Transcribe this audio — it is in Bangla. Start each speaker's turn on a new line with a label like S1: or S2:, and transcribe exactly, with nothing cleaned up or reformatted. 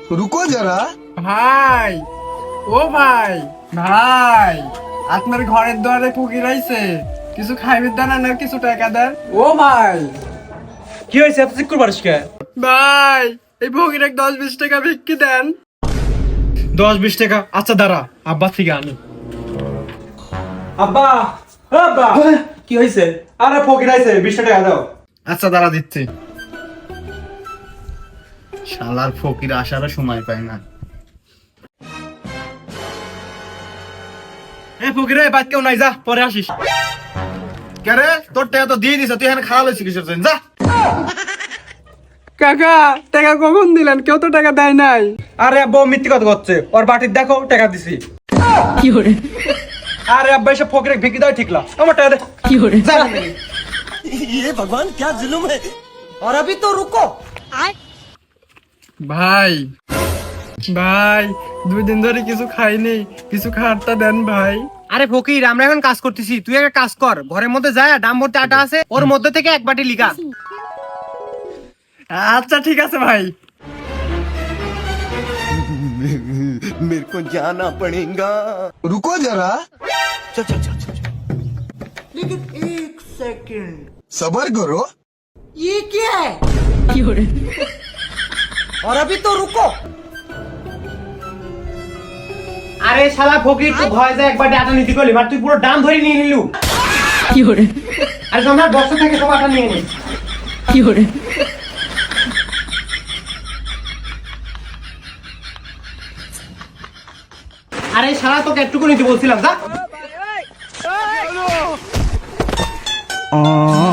S1: रुको जरा।
S2: ভাই ও ভাই ভাই আপনার ঘরের দুয়ারে ফকির আইছে, কিছু খাইবে দেন আর কিছু টাকা দেন।
S3: ও ভাই কি হয়েছে এত চিক করবারিস কে?
S2: ভাই এই ফকির এক দশ বিশ টাকা ভিক্ষি দেন।
S3: দশ বিশ টাকা আচ্ছা দাঁড়া আব্বা থেকে আনি। আব্বা ও আব্বা কি হয়েছে? আরে ফকির আইছে বিশ টাকা দাও।
S4: আচ্ছা দাঁড়া দিচ্ছি। শালার ফকির আসারও সময় পায় না।
S3: এ ফকির রে বাদ কেউ নাই, যা পরে আসিস।
S4: কে রে, তোর টাকা তো দিয়ে দিছ, তুই এখানে খাওয়া লইছিস কিসের জন্য? যা।
S2: কাকা টাকা কখন দিলেন? কেউ তো টাকা দেয় নাই।
S3: আরে আব্বা ও মিথ্যে কথা করছে, ওর বাটির দেখো টাকা দিছি।
S5: কি করে
S3: আরে আব্বা এসব ফকিরে ভিকি দাও ঠিকলা, আমার টাকা দে।
S5: কি করে
S3: যা।
S6: ये भगवान क्या जुल्म है। और अभी तो रुको।
S2: ভাই ভাই দুই দিন ধরে কিছু খাইনি, কিছু খাওয়ারটা দেন ভাই।
S7: আরে ফকির আমরা এখন কাজ করতেছি, তুই একটা কাজ কর, ঘরের মধ্যে যায় ডাম ভর্তি আটা আছে, ওর মধ্যে থেকে এক বাটি লিখা।
S2: আচ্ছা ঠিক আছে ভাই।
S6: मेरे को जाना पड़ेगा।
S1: रुको जरा।
S6: चल चल चल चल लेकिन एक सेकंड
S1: सबर करो।
S6: ये क्या है?
S5: কি করে
S6: और अभी तो रुको।
S7: আরে শালা ফকির তুই ভয় যায় এক বাটি আটা নিতে গেলি, আর তুই পুরো ডাম ধরে নিয়ে নিলু।
S5: কি করে
S7: আরে তোমরা বক্স থেকে সব আটা নিয়ে নি।
S5: কি করে
S7: আরে শালা তোকে একটুকু নিতে বলছিলাম, যা।